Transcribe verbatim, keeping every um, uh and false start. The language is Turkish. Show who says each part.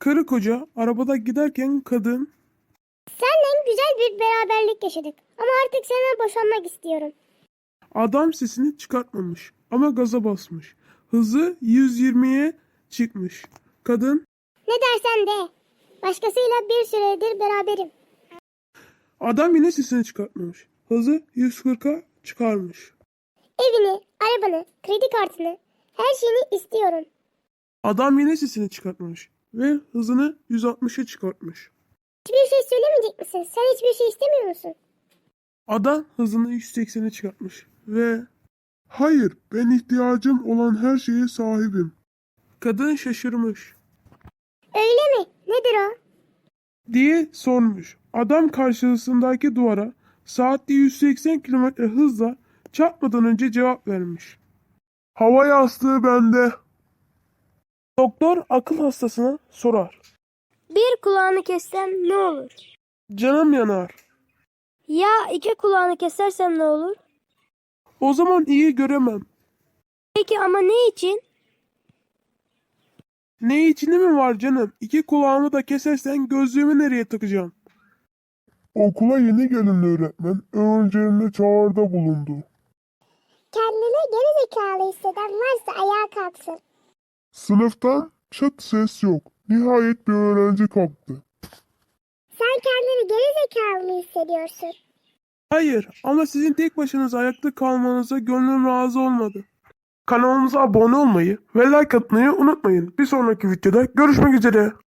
Speaker 1: Karı koca arabada giderken kadın
Speaker 2: Seninle güzel bir beraberlik yaşadık. Ama artık senden boşanmak istiyorum.
Speaker 1: adam sesini çıkartmamış ama gaza basmış. Hızı yüz yirmiye çıkmış. Kadın
Speaker 2: Ne dersen de. Başkasıyla bir süredir beraberim.
Speaker 1: adam yine sesini çıkartmamış. Hızı yüz kırka çıkarmış.
Speaker 2: Evini, arabanı, kredi kartını, her şeyini istiyorum.
Speaker 1: Adam yine sesini çıkartmamış ve hızını yüz altmışa çıkartmış.
Speaker 2: Hiçbir şey söylemeyecek misin? Sen hiçbir şey istemiyor musun?
Speaker 1: Adam hızını yüz seksene çıkartmış ve hayır, ben ihtiyacım olan her şeye sahibim. Kadın şaşırmış
Speaker 2: Öyle mi? Nedir o?
Speaker 1: diye sormuş. Adam karşısındaki duvara saatte yüz seksen kilometre hızla çarpmadan önce cevap vermiş. Hava yastığı bende. Doktor akıl hastasına sorar.
Speaker 3: Bir kulağını kessem ne olur?
Speaker 1: Canım yanar.
Speaker 3: Ya iki kulağını kesersem ne olur?
Speaker 1: O zaman iyi göremem.
Speaker 3: Peki ama ne için?
Speaker 1: Ne içinde mi var canım? İki kulağımı da kesersen gözlüğümü nereye takacağım?
Speaker 4: Okula yeni gelen öğretmen öğrencilerine çağrıda bulundu.
Speaker 2: Kendini geri zekalı hisseden varsa ayağa kalksın.
Speaker 4: Sınıftan çıt ses yok. Nihayet bir öğrenci kalktı.
Speaker 2: Sen kendini geri zekalı mı hissediyorsun?
Speaker 1: Hayır ama sizin tek başınıza ayakta kalmanıza gönlüm razı olmadı. Kanalımıza abone olmayı ve like atmayı unutmayın. Bir sonraki videoda görüşmek üzere.